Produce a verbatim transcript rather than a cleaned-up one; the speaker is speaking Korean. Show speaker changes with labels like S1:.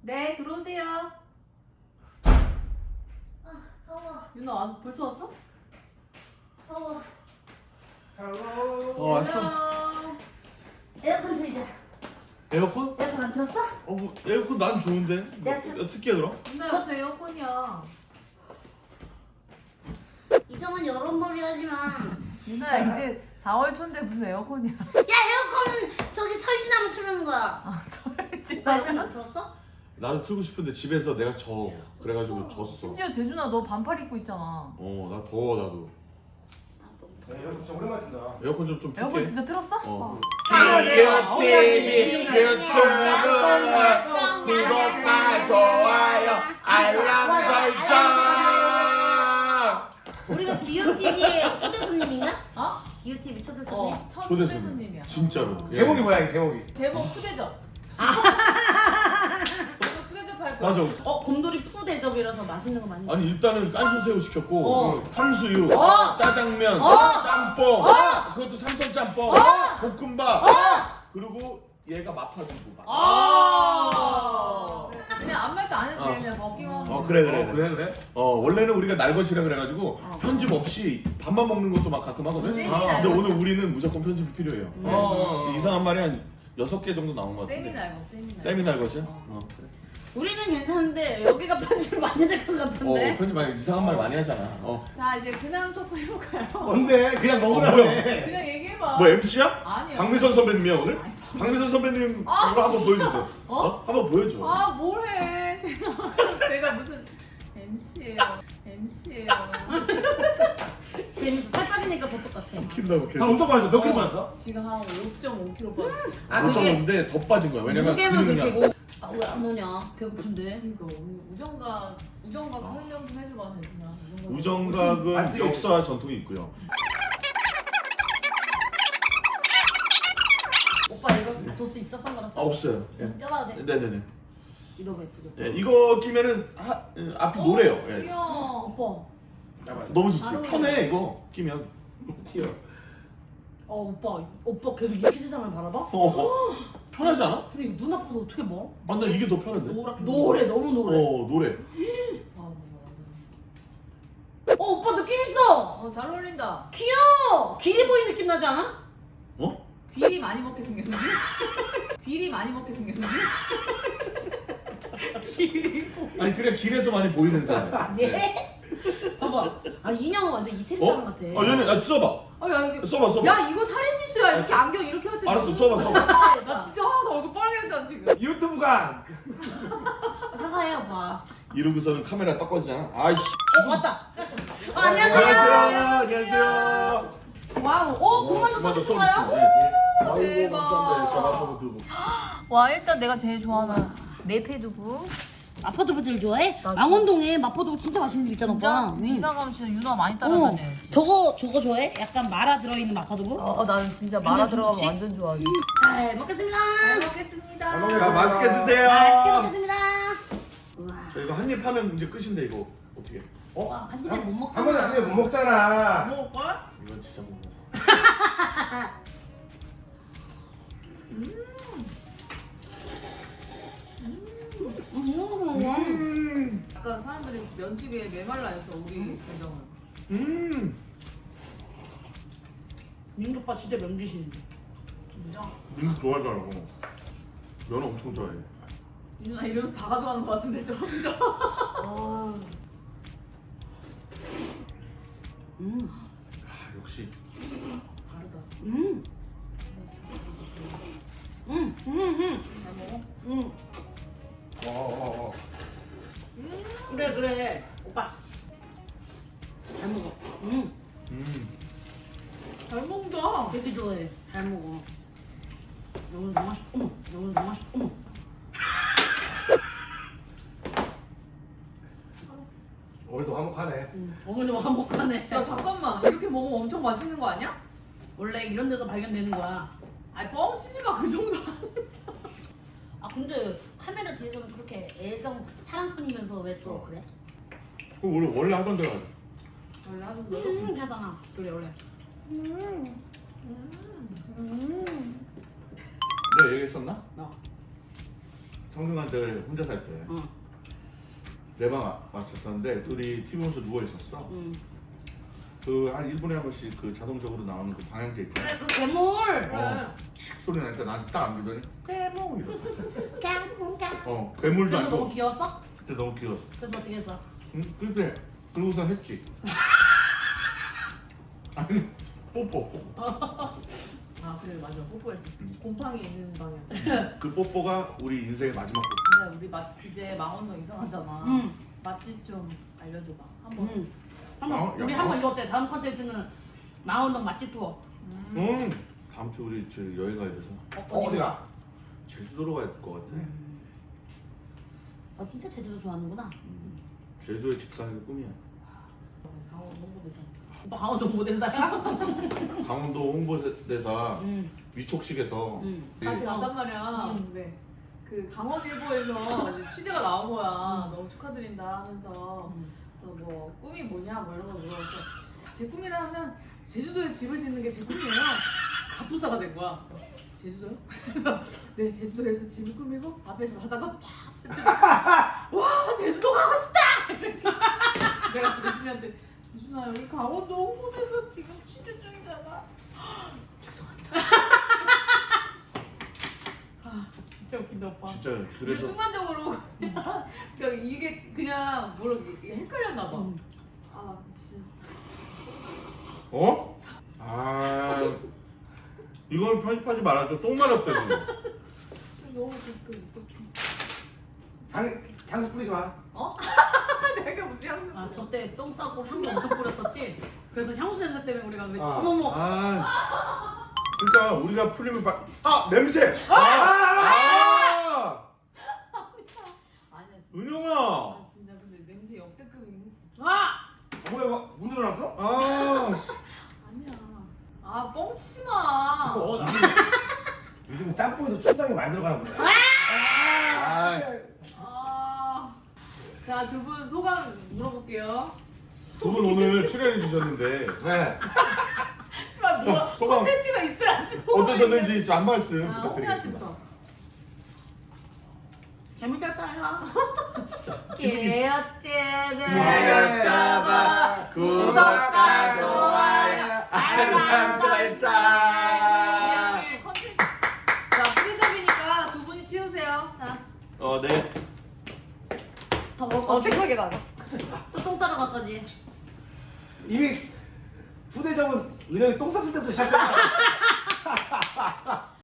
S1: 네, 들어오세요.
S2: 아, 더워.
S1: 윤아, 안- 벌써 왔어?
S2: 더워.
S3: 어 왔어.
S1: 헬로.
S2: 에어컨 틀자.
S3: 에어컨?
S2: 에어컨 안 틀었어?
S3: 어 뭐, 에어컨 난 좋은데.
S2: 내가 참-
S3: 어떻게 해 그럼?
S1: 윤아, 옆에 에어컨이야.
S2: 이상한 여론몰이 하지마.
S1: 윤아, 이제 사월 초인데 무슨 에어컨이야?
S2: 야, 에어컨은 저기 설지나무 틀는 거야.
S1: 아, 설지.
S2: 오빠 에어컨 안 틀었어?
S3: 나도 틀고 싶은데 집에서 내가 져. 그래가지고 졌어.
S1: 심지어 재준아, 너 반팔 입고 있잖아.
S3: 어 나 더워 나도.
S2: 아, 너무
S4: 야,
S2: 더워.
S4: 여러분 진짜 오랜만에 튼다.
S3: 에어컨 좀 좀
S1: 에어컨
S3: 틀게.
S1: 진짜 틀었어?
S3: 어.
S2: 네.
S3: 구독과 좋아요 알람 설정.
S2: 우리가 기요티비의 초대 손님인가?
S1: 어?
S2: 기요티비 초대 손님?
S1: 어, 첫
S3: 초대
S1: 초대
S3: 손님.
S1: 손님이야.
S3: 진짜로.
S4: 제목이 뭐야 이 제목이?
S1: 제목 푸대접. 너 푸대접 할 거야.
S3: 맞아.
S5: 어, 곰돌이 푸 대접이라서 맛있는 거 많이.
S3: 아니 일단은 깐소새우 시켰고
S5: 어.
S3: 탕수육,
S5: 어.
S3: 짜장면,
S5: 어.
S3: 짬뽕,
S5: 어.
S3: 그것도 삼선 짬뽕, 볶음밥, 그리고 얘가 마파두부.
S1: 아. 그냥 아무 말도 안 해도 돼.
S3: 어.
S1: 그냥 먹기만 하면.
S3: 어 그래 그래
S4: 어, 그래 그래.
S3: 어 원래는 우리가 날것이라 그래가지고 편집 없이 밥만 먹는 것도 막 가끔 하거든.
S1: 음.
S3: 아, 근데 오늘 우리는 무조건 편집이 필요해요.
S1: 음.
S3: 네.
S4: 어, 어, 어.
S3: 이상한 말이 한 여섯 개 정도 나온 것 같은데.
S1: 세미날 뭐 세미날.
S3: 세미날 것이야?
S1: 어.
S3: 어. 그래.
S5: 우리는 괜찮은데 여기가 편집 많이 될 것
S3: 어
S5: 같은데.
S3: 편집 많이 이상한 말 많이 하잖아. 어.
S1: 자, 이제 근황 토크 해볼까요?
S4: 뭔데? 그냥
S3: 어,
S4: 먹으라고
S3: 뭐야?
S4: 해.
S1: 그냥 얘기해봐.
S3: 뭐 엠씨야?
S1: 아니요.
S3: 박미선 선배님이야 오늘?
S1: 아니,
S3: 박미선 선배님
S1: 아,
S3: 이거 한번 보여주세요.
S1: 어?
S3: 어? 한번 보여줘.
S1: 아, 뭐해. 제가, 제가 무슨 엠씨예요. 엠씨예요.
S5: 재밌어. 살 빠지니까 더 똑같아.
S3: 킨다고 계속.
S4: 성도 빠졌어. 몇 킬로 빠졌어?
S1: 지금 한 오 점 오 킬로그램 빠졌어.
S5: 아,
S3: 오 점
S5: 그게
S3: 오인데 더 빠진 거야. 왜냐면
S5: 무게만
S3: 근육량.
S5: 그렇고. 아, 왜 안 오냐? 배고픈데.
S1: 그러니까 우리 우정각 우정각 설명 좀 해줘봐, 대준아.
S3: 우정각은
S4: 맞지?
S3: 역사와 전통이 있고요.
S5: 오빠 이거 도수 있어? 선글라스?
S3: 아 없어요. 예.
S5: 응, 껴봐도 돼?
S3: 네네네.
S5: 이거 예쁘죠?
S3: 예, 이거 끼면은 하, 예, 앞이 노래요. 예.
S1: 귀여워.
S5: 오빠.
S4: 잠깐만.
S3: 너무 좋지.
S1: 잘 어울려.
S3: 편해 이거 끼면. 튀어.
S5: 어, 오빠. 오빠 계속 이렇게 세상을 바라봐?
S3: 어, 어. 편하지 않아?
S5: 근데 이거 눈 아파서 어떻게 봐?
S3: 아, 나 이게 더 편한데.
S5: 노랗게. 노래, 너무 노래.
S3: 어 노래.
S1: 아, 뭐,
S5: 어, 오빠 느낌 있어!
S1: 어, 잘 어울린다.
S5: 귀여워! 길이 보이는 느낌 나지 않아?
S3: 어?
S1: 귀리 많이 먹게 생겼는데? 귀리 많이 먹게 생겼는데?
S5: 길이 보이.
S3: 아니 그냥 길에서 많이 보이는 사람.
S5: 예? 봐봐. 아, 인형은 완전 이태리
S3: 어?
S5: 사람 같아.
S3: 아 얘네 아 써봐.
S1: 아, 야, 이게.
S3: 써봐 써봐.
S1: 야, 이거 살인 미수야. 이렇게 안경 이렇게 할 때.
S3: 알았어 써봐 써봐.
S1: 나 진짜 화나서 얼굴 빨개졌잖아, 지금.
S4: 유튜브가
S5: 사과해, 오빠.
S3: 이러고서는 카메라 딱 꺼지잖아. 아이씨.
S5: 어, 맞다. 어, 안녕하세요.
S3: 안녕하세요.
S5: 와우. 어, 군만두
S3: 맞아,
S5: 서비스인가요?
S3: 서비스. 네. 아이고
S1: 대박.
S3: 감사합니다. 저 한번 그거.
S1: 와, 일단 내가 제일 좋아하는 네페두부.
S5: 마포두부 제일 좋아해?
S1: 나도.
S5: 망원동에 마포두부 진짜 맛있는 집 있잖아,
S1: 진짜?
S5: 오빠. 응.
S1: 이사 가면 진짜 윤아 많이
S5: 어,
S1: 따라다녀.
S5: 저거 저거 좋아해? 약간 말아 들어있는 마포두부?
S1: 어, 나는 진짜
S5: 완전
S1: 마라 들어가면
S5: 중국식?
S1: 완전 좋아하지.
S5: 잘 먹겠습니다.
S1: 잘 먹겠습니다.
S3: 자 맛있게 드세요.
S5: 맛있게 먹겠습니다. 우와.
S3: 저 이거 한 입 하면 이제 끝인데 이거 어떻게?
S4: 어?
S5: 와, 한 입에 못
S4: 한 번에
S5: 먹잖아.
S4: 한 입에 못 먹잖아.
S1: 먹을 걸?
S3: 이건 진짜 못 먹어.
S5: 음.
S3: 음.
S1: 약간 사람들이 면치기에 메말라 해서 우리 가정은.
S3: 음.
S5: 민규 오빠 진짜 명기신인데.
S1: 진짜?
S3: 음 좋아하더라고. 면 엄청 좋아해.
S1: 윤아 이러면서 다 가져가는 것 같은데 저 혼자.
S5: 아. 음.
S3: 아 역시.
S1: 다르다.
S5: 음. 음. 음. 음.
S1: 잘 먹어?
S5: 음.
S4: 어, 어, 어.
S5: 그래 그래. 오빠. 잘 먹어. 음.
S3: 음.
S1: 잘 먹는다.
S5: 되게 좋아해. 잘 먹어. 여기서 너무 맛있. 어머. 여기서 너무 맛있. 어머.
S4: 오늘도 화목하네.
S5: 음. 오늘도 화목하네.
S1: 야 잠깐만 이렇게 먹으면 엄청 맛있는 거 아니야?
S5: 원래 이런 데서 발견되는 거야.
S1: 아니 뻥치지 마 그 정도.
S2: 아, 근데 카메라 뒤에서는 그렇게 애정 사랑꾼이면서 왜 또 그래?
S3: 그 원래 원래 하던 데가.
S1: 원래 하던 대로.
S2: 음, 하잖아.
S1: 그래 원래.
S2: 음,
S1: 음.
S2: 음.
S3: 내가 얘기했었나?
S5: 어.
S3: 성균관대 혼자 살 때
S5: 응.
S3: 내 방 왔었었는데 둘이 티비 보면서 누워 있었어.
S5: 응.
S3: 그 한 일 분에 한 번씩 그 자동적으로 나오는 그 방향제 있잖아.
S5: 그래 그 괴물.
S3: 어, 칙 소리 나니까 나한테 딱 안기더니 괴물 이러고.
S5: 깡깡.
S3: 어, 괴물도
S5: 그래서
S3: 아니고.
S5: 너무 귀여웠어?
S3: 그때 너무 귀여워.
S5: 그래서 어떻게 했어?
S3: 응? 그때 그러고선 했지. 아니 뽀뽀.
S1: 아 그래 맞아 뽀뽀했었어.
S3: 음.
S1: 곰팡이 있는 방이었잖아.
S3: 그 뽀뽀가 우리 인생의 마지막 뽀뽀.
S1: 근데 우리 맛 이제 망원동 이상하잖아.
S5: 응.
S1: 맛집 좀 알려줘봐. 한번.
S5: 응. 한번
S3: 어?
S5: 우리
S3: 야,
S5: 한번
S3: 어?
S5: 이거 어때? 다음 컨텐츠는 망원동 맛집 투어.
S1: 음.
S3: 응. 다음 주 우리 저 여행 가야 돼서
S4: 어, 어디가?
S3: 제주도로 갈 것 같아.
S5: 음. 아 진짜 제주도 좋아하는구나.
S3: 음. 제주도의 집사는 그 꿈이야.
S1: 강원 홍보대사.
S5: 오빠 강원도 모델사야?
S3: 강원도 홍보대사
S5: 응.
S3: 위촉식에서
S5: 응.
S1: 같이
S3: 이-
S1: 갔단 말이야.
S5: 음.
S1: 근데 그 강원일보에서 이제 취재가 나온 거야. 너무 축하드린다 하면서
S5: 음.
S1: 그래서 뭐 꿈이 뭐냐 뭐 이런 거 물어봤어. 제 꿈이라 하면 제주도에 집을 짓는 게 제 꿈이에요. 갑부사가 된 거야. 제주도요? 그래서 네 제주도에서 집을 꾸미고 앞에서 바다가 팍 와 제주도 가고 싶다. 내가 그 유준이한테 유준아 여기 강원도 홍보대에서 지금 취재 중이잖아. 죄송합니다. 아 진짜 웃긴다 오빠.
S3: 진짜
S1: 근데
S3: 그래서
S1: 순간적으로 그냥 저 이게 그냥 뭐라 이게 헷갈렸나 봐.
S5: 음.
S1: 아 진짜.
S3: 어? 아 이걸 편집하지 말아줘. 똥 마렵다 지금.
S1: 너무 그 어떡해.
S4: 향, 향수 뿌리지 마.
S1: 어? 내가 무슨 향수?
S5: 아 저 때 똥 싸고 향수 엄청 뿌렸었지. 그래서 향수 냄새 때문에 우리가 왜
S4: 아.
S5: 어머머.
S3: 아 그러니까 우리가 풀리면 바... 아 냄새. 아,
S4: 아!
S3: 아!
S1: 아니야. 진짜.
S3: 은영아.
S1: 아 진짜 근데 냄새 역대급이긴 했어.
S5: 아!
S4: 뭐야 이거 문 열어놨어?
S3: 아 씨.
S1: 아니야. 아 뻥치지 마.
S4: 어, 요즘, 요즘 짬뽕에도 춘장이 많이 들어가나 보네.
S3: 아.
S1: 아. 자 두 분 소감 물어볼게요.
S3: 두 분 오늘 출연해 주셨는데
S4: 네.
S1: 하지만 뭐
S3: 자, 소감.
S1: 콘텐츠가 있어야지. 소감이
S3: 어떠셨는지 한 말씀
S1: 있는- 아, 홍야
S3: 부탁드리겠습니다.
S1: 씨부터.
S5: 재밌었어요.
S3: 귀엽게봐 구독과 좋아요 알람 설정.
S1: 네, 컨텐츠. 자 프리접이니까 두 분이 치우세요. 자.
S3: 어 네.
S5: 더 먹을 거
S1: 어색하게 나가.
S5: 또똥 싸러 갔다지.
S4: 이미 후대접은 은영이 똥 쌌을 때부터 시작했다.